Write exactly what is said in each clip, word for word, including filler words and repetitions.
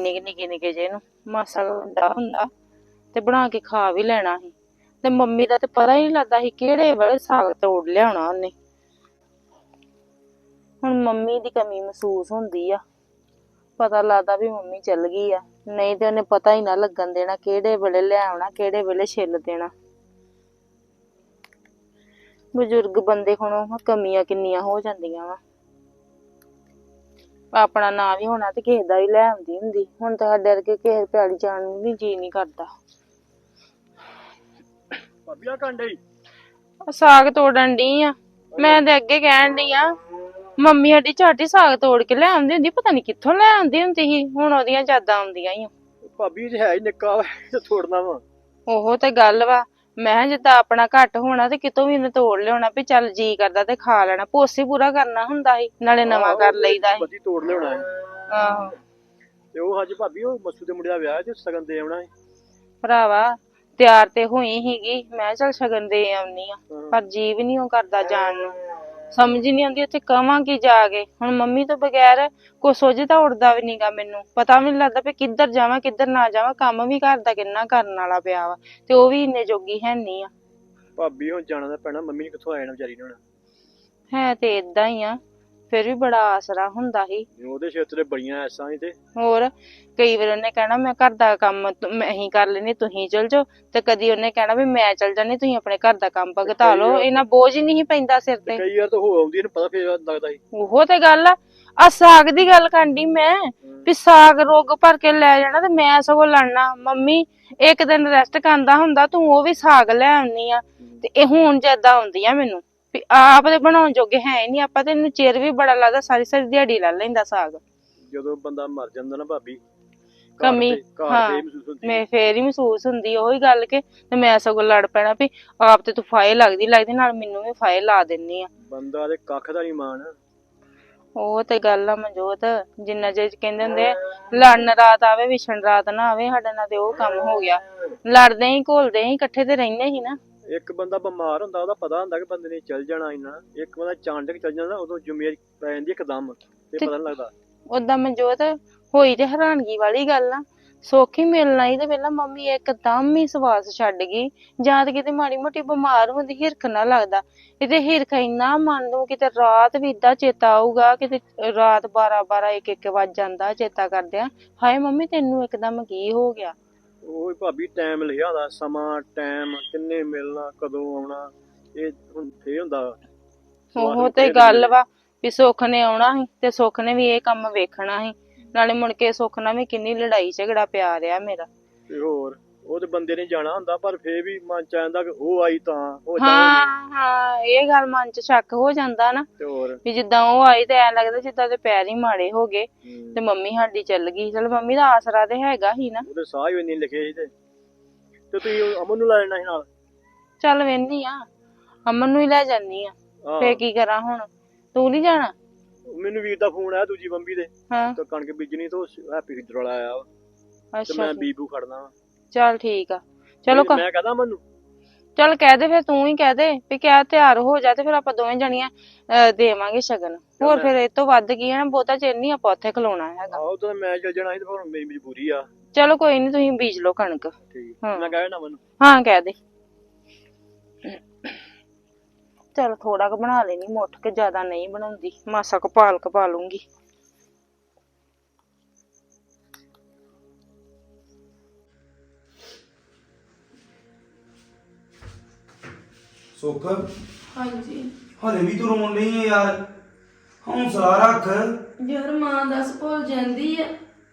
ਇੰਨੀ ਨਿੱਕੇ ਨਿੱਕੇ ਜੇ ਨੂੰ ਮਾਸਾ ਵੱਡਾ ਹੁੰਦਾ ਤੇ ਬਣਾ ਕੇ ਖਾ ਵੀ ਲੈਣਾ ਸੀ। ਤੇ ਮੰਮੀ ਦਾ ਤੇ ਪਤਾ ਹੀ ਨਹੀਂ ਲੱਗਦਾ ਸੀ ਕਿਹੜੇ ਵੇਲੇ ਸਾਗ ਤੋੜ ਲਿਆਉਣਾ ਉਹਨੇ। ਹੁਣ ਮੰਮੀ ਦੀ ਕਮੀ ਮਹਿਸੂਸ ਹੁੰਦੀ ਆ, ਪਤਾ ਲੱਗਦਾ ਵੀ ਮੰਮੀ ਚੱਲ ਗਈ ਆ, ਨਹੀਂ ਤੇ ਉਹਨੇ ਪਤਾ ਹੀ ਨਾ ਲੱਗਣ ਦੇਣਾ ਕਿਹੜੇ ਵੇਲੇ ਲਿਆਉਣਾ ਕਿਹੜੇ ਵੇਲੇ ਛਿੱਲ ਦੇਣਾ। ਬਜ਼ੁਰਗ ਬੰਦੇ ਕੋਲੋਂ ਕਮੀਆਂ ਕਿੰਨੀਆਂ ਹੋ ਜਾਂਦੀਆਂ ਵਾ। ਆਪਣਾ ਨਾਂ ਵੀ ਹੋਣਾ ਤੇ ਕਿਸੇ ਦਾ ਵੀ ਲੈ ਆਉਂਦੀ ਹੁੰਦੀ, ਹੁਣ ਤਾਂ ਸਾਡੇ ਵਰਗੇ ਕਿਸੇ ਪਿਆਲੀ ਜਾਣ ਨੂੰ ਵੀ ਜੀ ਨਹੀਂ ਕਰਦਾ। ਭਾਬੀ ਆ ਕੰਡੇ ਸਾਗ ਤੋੜਨ ਡਈ ਆ ਮੈਂ ਤੇ ਅੱਗੇ ਕਹਿਣ ਡਈ ਆ ਮੰਮੀ ਸਾਡੀ ਝੱਟ ਹੀ ਸਾਗ ਤੋੜ ਕੇ ਲੈ ਆਉਂਦੀ ਹੁੰਦੀ, ਪਤਾ ਨੀ ਕਿੱਥੋਂ ਲੈ ਆਉਂਦੀ ਹੁੰਦੀ ਸੀ, ਹੁਣ ਉਹਦੀਆਂ ਯਾਦਾਂ ਆਉਂਦੀਆਂ ਈ। ਭਾਬੀ ਜੇ ਹੈ ਹੀ ਨਿੱਕਾ ਵਾ ਤੋੜਨਾ ਵਾ। ਉਹ ਤੇ ਗੱਲ ਵਾ, ਮੈਂ ਜਿੱਦਾਂ ਆਪਣਾ ਘੱਟ ਹੋਣਾ ਤੇ ਕਿਤੋਂ ਵੀ ਇਹਨੇ ਤੋੜ ਲਿਆਉਣਾ ਵੀ ਚੱਲ ਜੀ ਕਰਦਾ ਤੇ ਖਾ ਲੈਣਾ, ਪੋਸੀ ਪੂਰਾ ਕਰਨਾ ਹੁੰਦਾ ਸੀ ਨਾਲੇ ਨਵਾਂ ਕਰ ਲਈਦਾ ਸੀ। ਤੋੜ ਲਿਆਉਣਾ ਹੈ ਆਹੋ ਤੇ ਉਹ ਅੱਜ ਭਾਬੀ ਉਹ ਮੱਸੂ ਦੇ ਮੁੰਡੇ ਦਾ ਵਿਆਹ ਤੇ ਸ਼ਗਨ ਦੇ ਆਉਣਾ ਹੈ। ਭਰਾਵਾ ਤਿਆਰ ਤੇ ਹੋਈ ਹੀਗੀ, ਮੈਂ ਚੱਲ ਸ਼ਗਨ ਦੇ ਆਉਣੀ ਆ, ਪਰ ਜੀ ਵੀ ਨੀ ਉਹ ਕਰਦਾ ਜਾਣ ਨੂੰ, ਸਮਝ ਹੀ ਨੀ ਆਉਂਦੀ ਉੱਥੇ ਕਵਾਂ ਕੀ ਜਾ ਕੇ। ਹੁਣ ਮੰਮੀ ਤੋਂ ਬਗੈਰ ਕੋਈ ਸੋਝਦਾ ਉੱਡਦਾ ਵੀ ਨੀਗਾ, ਮੈਨੂੰ ਪਤਾ ਵੀ ਨੀ ਲੱਗਦਾ ਵੀ ਕਿੱਧਰ ਜਾਵਾਂ ਕਿੱਧਰ ਨਾ ਜਾਵਾਂ। ਕੰਮ ਵੀ ਘਰ ਦਾ ਕਿੰਨਾ ਕਰਨ ਵਾਲਾ ਪਿਆ ਵਾ ਤੇ ਉਹ ਵੀ ਇੰਨੇ ਜੋਗੀ ਹੈ ਨੀ ਆ। ਭਾਬੀ ਹੁਣ ਜਾਣਾ ਤਾਂ ਪੈਣਾ, ਮੰਮੀ ਨੇ ਕਿੱਥੋਂ ਆ ਜਾਣਾ ਵਿਚਾਰੀ ਨੇ ਹੁਣ। ਹੈ ਤੇ ਏਦਾਂ ਹੀ ਆ, ਫਿਰ ਵੀ ਬੜਾ ਆਸਰਾ ਹੁੰਦਾ ਸੀ। ਉਹਦੇ ਛੇਤਰੇ ਬੜੀਆਂ ਐਸਾਂ ਸੀ ਤੇ ਹੋਰ ਕਈ ਵਾਰ ਉਹਨੇ ਕਹਿਣਾ ਮੈਂ ਘਰ ਦਾ ਕੰਮ ਮੈਂ ਹੀ ਕਰ ਲੈਣੀ ਤੁਸੀਂ ਚਲ ਜਾਓ, ਤੇ ਕਦੀ ਉਹਨੇ ਕਹਿਣਾ ਵੀ ਮੈਂ ਚਲ ਜਾਣੀ ਤੁਸੀਂ ਆਪਣੇ ਘਰ ਦਾ ਕੰਮ ਭਗਤਾ ਲਓ, ਇਹਨਾਂ ਬੋਝ ਹੀ ਨਹੀਂ ਪੈਂਦਾ ਸਿਰ ਤੇ। ਕਈ ਵਾਰ ਤਾਂ ਹੋ ਆਉਂਦੀ ਇਹਨੂੰ ਪਤਾ ਫੇਰ ਲੱਗਦਾ ਸੀ। ਉਹ ਤੇ ਗੱਲ ਆ, ਆ ਸਾਗ ਦੀ ਗੱਲ ਕਰਦੀ ਮੈਂ ਵੀ ਸਾਗ ਰੋਗ ਭਰ ਕੇ ਲੈ ਜਾਣਾ ਤੇ ਮੈਂ ਸਗੋਂ ਲੜਨਾ ਮੰਮੀ ਇੱਕ ਦਿਨ ਰੈਸਟ ਕਰਦਾ ਹੁੰਦਾ ਤੂੰ ਉਹ ਵੀ ਸਾਗ ਲੈ ਆਉਣੀ ਆ। ਤੇ ਇਹ ਹੁਣ ਜਿਆਦਾ ਆਉਂਦੀ ਆ ਮੈਨੂੰ ਵੀ ਆਪ ਦੇ ਬਣਾਉਣ ਜੋਗੇ ਹੈ ਨੀ ਆਪਾਂ, ਤੇ ਇਹਨੂੰ ਚਿਰ ਵੀ ਬੜਾ ਲੱਗਦਾ, ਸਾਰੀ ਸਾਰੀ ਦਿਹਾੜੀ ਲੈ ਲੈਂਦਾ ਸਾਗ। ਜਦੋਂ ਬੰਦਾ ਮਰ ਜਾਂਦਾ ਨਾ ਭਾਬੀ ਕਮੀ ਹਾਂ ਮੈਂ ਫੇਰ ਹੀ ਮਹਿਸੂਸ ਹੁੰਦੀ ਉਹੀ ਗੱਲ ਕੇ, ਤੇ ਮੈਂ ਸਗੋਂ ਲੜ ਪੈਣਾ ਵੀ ਆਪ ਤੇ ਤੂੰ ਫਾਇ ਲੱਗਦੀ ਲੱਗਦੀ ਨਾਲ ਮੈਨੂੰ ਵੀ ਫਾਇ ਲਾ ਦਿੰਨੀ ਆ। ਬੰਦਾ ਤੇ ਕੱਖ ਦਾ ਨੀ ਮਾਣ। ਉਹ ਤੇ ਗੱਲ ਆ ਮਨਜੋਤ, ਜਿੰਨਾ ਚਿਰ ਕਹਿੰਦੇ ਹੁੰਦੇ ਲੜਨ ਰਾਤ ਆਵੇ ਵਿਛਣ ਰਾਤ ਨਾ ਆਵੇ, ਸਾਡੇ ਨਾਲ ਤੇ ਉਹ ਕੰਮ ਹੋ ਗਿਆ। ਲੜਦੇ ਹੀ ਘੋਲਦੇ ਹੀ ਇਕੱਠੇ ਤੇ ਰਹਿੰਦੇ ਸੀ ਨਾ। ਇੱਕ ਬੰਦਾ ਬਿਮਾਰ ਹੁੰਦਾ ਉਹਦਾ ਪਤਾ ਹੁੰਦਾ ਕਿ ਬੰਦੇ ਨੇ ਚੱਲ ਜਾਣਾ ਇੰਨਾ, ਇੱਕ ਬੰਦਾ ਚਾਂਡਕ ਚੱਲ ਜਾਂਦਾ ਉਦੋਂ ਜ਼ਿੰਮੇਵਾਰੀ ਪੈ ਜਾਂਦੀ ਇੱਕਦਮ ਤੇ ਪਤਾ ਨੀ ਲੱਗਦਾ। ਓਦਾਂ ਮਨਜੋਤ ਹੋਈ ਤੇ ਹੈਰਾਨਗੀ ਵਾਲੀ ਗੱਲ ਆ, ਸੌਖੀ ਮਿਲਣਾ ਹੀ ਤੇ ਪਹਿਲਾਂ ਮੰਮੀ ਇੱਕਦਮ ਹੀ ਸਵਾਸ ਛੱਡ ਗਈ, ਜਾਂ ਤੇ ਕਿਤੇ ਮਾੜੀ ਮੋਟੀ ਬਿਮਾਰ ਹੁੰਦੀ ਹਿਰਖ ਨਾ ਲੱਗਦਾ, ਕਿਤੇ ਹਿਰਖ ਇੰਨਾ ਮੰਨ ਲਓ ਕਿਤੇ ਰਾਤ ਵੀ ਏਦਾਂ ਚੇਤਾ ਆਊਗਾ, ਕਿਤੇ ਰਾਤ ਬਾਰਾਂ ਬਾਰਾਂ ਇੱਕ ਇੱਕ ਵੱਜ ਜਾਂਦਾ ਚੇਤਾ ਕਰਦਿਆਂ ਹਾਏ ਮੰਮੀ ਤੈਨੂੰ ਇੱਕਦਮ ਕੀ ਹੋ ਗਿਆ। ਉਹ ਭਾਬੀ ਟਾਈਮ ਲਿਖਿਆ ਹੁੰਦਾ, ਸਮਾਂ ਟਾਈਮ ਕਿੰਨੇ ਮਿਲਣਾ ਕਦੋਂ ਆਉਣਾ, ਇਹ ਹੁਣ ਫੇਰ ਹੁੰਦਾ। ਉਹ ਤੇ ਗੱਲ ਵਾ ਵੀ ਸੁੱਖ ਨੇ ਆਉਣਾ ਸੀ ਤੇ ਸੁੱਖ ਨੇ ਵੀ ਇਹ ਕੰਮ ਵੇਖਣਾ ਸੀ, ਨਾਲੇ ਮੁੜ ਕੇ ਸੁੱਖ ਨਾਲ ਵੀ ਕਿੰਨੀ ਲੜਾਈ ਝਗੜਾ ਪਿਆ ਰਿਹਾ ਮੇਰਾ। ਤੇ ਹੋਰ ਉਹ ਤੇ ਬੰਦੇ ਨੇ ਜਾਣਾ ਹੁੰਦਾ, ਪਰ ਫੇਰ ਵੀ ਮਨ ਚ ਆਉਂਦਾ ਕਿ ਉਹ ਆਈ ਤਾਂ ਉਹ ਹਾਂ ਹਾਂ ਇਹ ਗੱਲ ਮਨ ਚ ਸ਼ੱਕ ਹੋ ਜਾਂਦਾ ਨਾ ਤੇ ਹੋਰ ਵੀ ਜਿੱਦਾਂ ਉਹ ਆਈ ਤੇ ਐ ਲੱਗਦਾ ਜਿੱਦਾਂ ਦੇ ਪੈਰ ਹੀ ਮਾੜੇ ਹੋ ਗਏ ਤੇ ਮੰਮੀ ਸਾਡੀ ਚੱਲ ਗਈ। ਚਲ ਮੰਮੀ ਦਾ ਆਸਰਾ ਤੇ ਹੈਗਾ ਹੀ ਨਾ, ਉਹਦੇ ਸਾਹ ਹੀ ਇੰਨੇ ਲਿਖੇ ਸੀ ਤੇ ਤੇ ਤੁਸੀਂ ਅਮਨ ਨੂੰ ਲੈ ਜਾਣਾ ਸੀ ਨਾਲ। ਚੱਲ ਵੇਹਨੀ ਆ ਅਮਨ ਨੂੰ ਹੀ ਲੈ ਜਾਨੀ ਆ, ਫੇਰ ਕੀ ਕਰਾਂ ਹੁਣ ਤੂੰ ਨੀ ਜਾਣਾ। ਮੈਨੂੰ ਵੀਰ ਦਾ ਫੋਨ ਆਇਆ ਦੂਜੀ ਬੰਬੀ ਦੇ, ਹਾਂ ਤੇ ਕਣਕ ਬੀਜਣੀ ਤੋਂ ਹੈਪੀ ਫਿੱਦਰ ਵਾਲਾ ਆਇਆ ਵਾ ਤੇ ਮੈਂ ਬੀਬੂ ਖੜਨਾ ਵਾ। ਚੱਲ ਠੀਕ ਆ, ਚਲੋ ਮੈਂ ਕਹਦਾ ਮੈਨੂੰ ਚੱਲ ਕਹਿ ਦੇ, ਫਿਰ ਤੂੰ ਹੀ ਕਹਿ ਦੇ ਵੀ ਕਿਆ ਤਿਆਰ ਹੋ ਜਾ, ਤੇ ਫਿਰ ਆਪਾਂ ਦੋਵੇਂ ਜਣੀਆਂ ਅਹ ਦੇਵਾਂਗੇ ਸ਼ਗਨ। ਹੋਰ ਫਿਰ ਇਹ ਤੋਂ ਵੱਧ ਕੀ ਹੈ ਨਾ, ਬਹੁਤਾ ਚਿਰ ਨੀ ਆਪਾਂ ਉੱਥੇ ਖਲੋਣਾ ਹੈਗਾ। ਆਹੋ ਤੇ ਮੈਂ ਚੱਲ ਜਾਣਾ ਸੀ ਤੇ ਫਿਰ ਮੇਰੀ ਮਜਬੂਰੀ ਆ। ਚਲੋ ਕੋਈ ਨੀ ਤੁਸੀਂ ਬੀਜ ਲਓ ਕਣਕ। ਠੀਕ ਮੈਂ ਕਹਿ ਦੇਣਾ ਮੈਨੂੰ। ਹਾਂ ਕਹਿ ਦੇ। ਚੱਲ ਥੋੜਾ ਕੁ ਬਣਾ ਲੈਣੀ ਮੁੱਠ ਕੇ, ਜ਼ਿਆਦਾ ਨਹੀਂ ਬਣਾਉਂਦੀ, ਮਾਸਾ ਕਪਾਲ ਕਪਾ ਲੂੰਗੀ। ਸੁੱਖ ਹਾਂਜੀ ਹਲੇ ਵੀ ਤੂੰ ਰੋਣ ਨਹੀਂ ਹੈ ਯਾਰ, ਹੌਸਲਾ ਰੱਖ ਯਾਰ ਮਾਂ ਦੱਸ ਭੁੱਲ ਜਾਂਦੀ ਆ।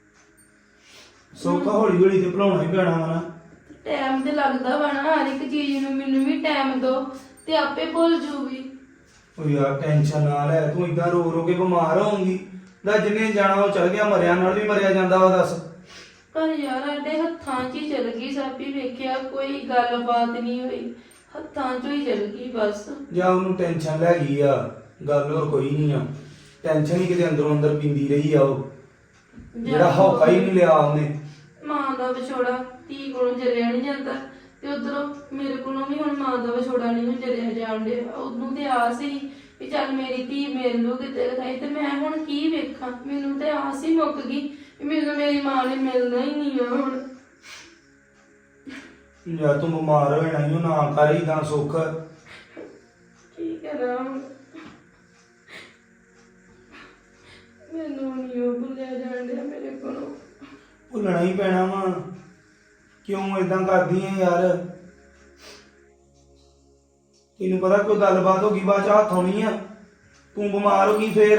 ਸੁੱਖ ਹੌਲੀ ਹੌਲੀ ਤੇ ਭੁਲਾਉਣਾ ਹੀ ਪੈਣਾ ਵਾ ਨਾ, ਟਾਈਮ ਤੇ ਲੱਗਦਾ ਵਾ ਨਾ, ਹਰ ਇੱਕ ਚੀਜ਼ ਨੂੰ ਮੈਨੂੰ ਵੀ ਟਾਈਮ ਦੋ ਤੇ ਆਪੇ ਭੁੱਲ ਜੂਗੀ। ਉਹ ਯਾਰ ਟੈਨਸ਼ਨ ਨਾ ਲੈ, ਤੂੰ ਇਦਾਂ ਰੋ ਰੋ ਕੇ ਬਿਮਾਰ ਹੋਊਂਗੀ। ਦਾ ਜਿੰਨੇ ਜਾਣਾ ਉਹ ਚਲ ਗਿਆ, ਮਰਿਆ ਨਾਲ ਵੀ ਮਰਿਆ ਜਾਂਦਾ ਵਾ ਦੱਸ। ਪਰ ਯਾਰ ਸਾਡੇ ਹੱਥਾਂ 'ਚ ਹੀ ਚਲ ਗਈ, ਸਾਬੀ ਵੇਖਿਆ ਕੋਈ ਗੱਲਬਾਤ ਨਹੀਂ ਹੋਈ, ਹੱਥਾਂ 'ਚੋਂ ਹੀ ਚਲ ਗਈ ਬਸ। ਜਾਂ ਉਹਨੂੰ ਟੈਨਸ਼ਨ ਲੈ ਗਈ ਆ, ਗੱਲ ਹੋਰ ਕੋਈ ਨਹੀਂ ਆ, ਟੈਨਸ਼ਨ ਹੀ ਕਿਤੇ ਅੰਦਰੋਂ ਅੰਦਰ ਪੀਂਦੀ ਰਹੀ ਆ ਉਹ, ਜਿਹੜਾ ਹੌਕਾ ਹੀ ਨਹੀਂ ਲਿਆ ਉਹਨੇ। ਮਾਂ ਦਾ ਵਿਛੋੜਾ ਧੀ ਕੋਲੋਂ ਜਰਿਆ ਨਹੀਂ ਜਾਂਦਾ, ਤੇ ਉਧਰੋਂ ਮੇਰੇ ਕੋਲੋਂ ਵੀ ਹੁਣ ਮਾਂ ਦਾ ਵਿਛੋੜਾ ਨਹੀਂ ਜਰਿਆ ਜਾਣ ਡਿਆ। ਉਹਨੂੰ ਤੇ ਆਸ ਸੀ ਵੀ ਚੱਲ ਮੇਰੀ ਧੀ ਮਿਲ ਲੂ ਕਿਤੇ ਖਾਈ, ਤੇ ਮੈਂ ਹੁਣ ਕੀ ਵੇਖਾਂ, ਮੈਨੂੰ ਤੇ ਆਸ ਹੀ ਮੁੱਕ ਗਈ ਮੈਨੂੰ ਮੇਰੀ ਮਾਂ ਨੇ ਮਿਲਣਾ ਹੀ ਨਹੀਂ ਆ ਹੁਣ। ਯਾਰ ਤੂੰ ਬਿਮਾਰ ਹੋ ਜਾਣਾ ਈ ਓ, ਨਾ ਕਰ ਇਦਾਂ ਸੁੱਖ। ਕੀ ਕਰਾਂ ਹੁਣ? ਮੈਨੂੰ ਨਹੀਂ ਉਹ ਭੁੱਲਿਆ ਜਾਣ ਡਿਆ ਮੇਰੇ ਕੋਲੋਂ। ਭੁੱਲਣਾ ਹੀ ਪੈਣਾ ਵਾ। ਕਿਉਂ ਇਦਾਂ ਕਰਦੀ ਐ ਯਾਰ? ਤੈਨੂੰ ਪਤਾ ਕੋਈ ਗੱਲਬਾਤ ਹੋ ਗਈ ਬਾਅਦ ਚ ਹੱਥ ਆਉਣੀ ਆ, ਤੂੰ ਬਿਮਾਰ ਹੋ ਗਈ ਫੇਰ।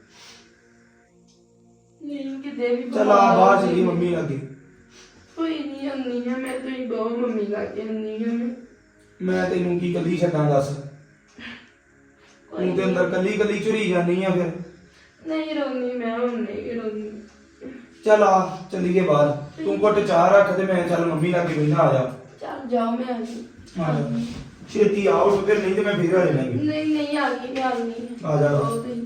ਨਹੀਂ ਕਿਤੇ ਵੀ ਚੱਲ ਆ ਬਾਹਰ ਚਲੀ ਮੰਮੀ ਲੱਗੇ। ਕੋਈ ਨਹੀਂ ਆਉਂਦੀ ਆ ਮੈਂ, ਤੁਸੀਂ ਬਹੁਤ ਮੰਮੀ ਲਾਗੇ ਆਉਂਦੀ ਆ ਮੈਂ। ਮੈਂ ਤੈਨੂੰ ਕੀ ਕੱਲੀ ਛੱਡਾਂ ਦੱਸ? ਤੂੰ ਤੇ ਅੰਦਰ ਕੱਲੀ ਕੱਲੀ ਝੁਰੀ ਜਾਂਦੀ ਆ ਫਿਰ। ਨਹੀਂ ਰੋਂਦੀ ਮੈਂ, ਹੁਣ ਨਹੀਂ ਰੋਂਦੀ। ਚੱਲ ਆ ਚੱਲੀਏ ਬਾਹਰ। ਤੂੰ ਘੁੱਟ ਚਾਹ ਰੱਖ ਤੇ ਮੈਂ ਚੱਲ ਮੰਮੀ ਲਾਗੇ ਬੈਠਾ। ਆ ਜਾ ਚੱਲ ਜਾਓ, ਮੈਂ ਆ ਗਈ। ਆ ਜਾ ਛੇਤੀ ਆਓ ਫਿਰ, ਨਹੀਂ ਤੇ ਮੈਂ ਫੇਰ ਆ ਜਾਣਾ ਈ। ਨਹੀਂ ਨਹੀਂ ਆ ਗਈ, ਮੈਂ ਆ ਗਈ। ਆ ਜਾ। ਆਓ ਤੁਸੀਂ।